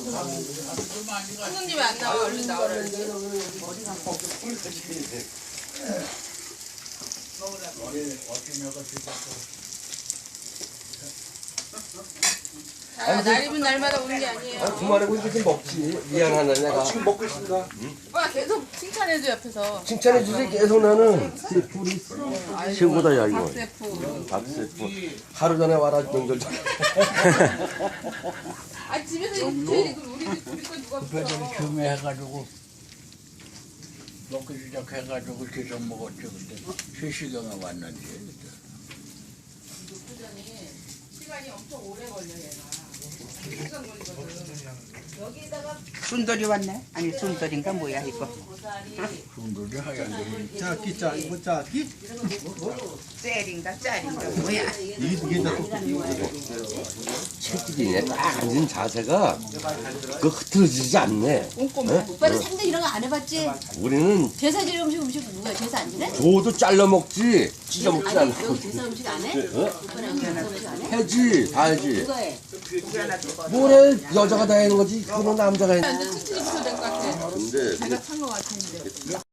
손님 왜안 나와? 얼른 나오라는데. 자, 날이면 날마다 오는 게 아니에요. 그만하고 이제 좀 먹지. 미안하네 내가. 지금 먹고 있습니다. 오빠 계속 칭찬해줘 옆에서. 칭찬해주지 계속 나는. 셰프리 최고다 야 이거. 박세프. 박세프. 하루 전에 와라 명절 전에. 아 집에서 이거 붙여야지. 그럼 우리 거 누가 붙여? 처음에 해가지고 먹기 시작해가지고 계속 먹었죠. 그때 3시경에 왔는데 녹두전이 시간이 엄청 오래 걸려 얘가. 2시간 걸리거든. 여기다가 순돌이 왔네? 아니 순돌인가 뭐야 이거 고사리, 순돌이 하얀 짜기 짜 이거 짜기? 셀인가 짤인가 뭐야 이게 다 채찍이네. 딱 앉은 자세가 그 흐트러지지 않네. 꼼꼼해. 오빠는 상대 이런 거 안 해봤지? 우리는 제사 지내 음식 누구야? 제사 안 지내? 줘도 잘라 먹지 찢어 먹지 아니 않아. 여기 제사 음식 안 해? 오빠는 제사 음식 안 해? 해지 다 해지. 누가 해? 뭐래 여자가 다 하는 거지. 그건 남자가 해. 이제 튼튼히 붙여야 될 것 같아. 근데 내가 찬 것 같은데.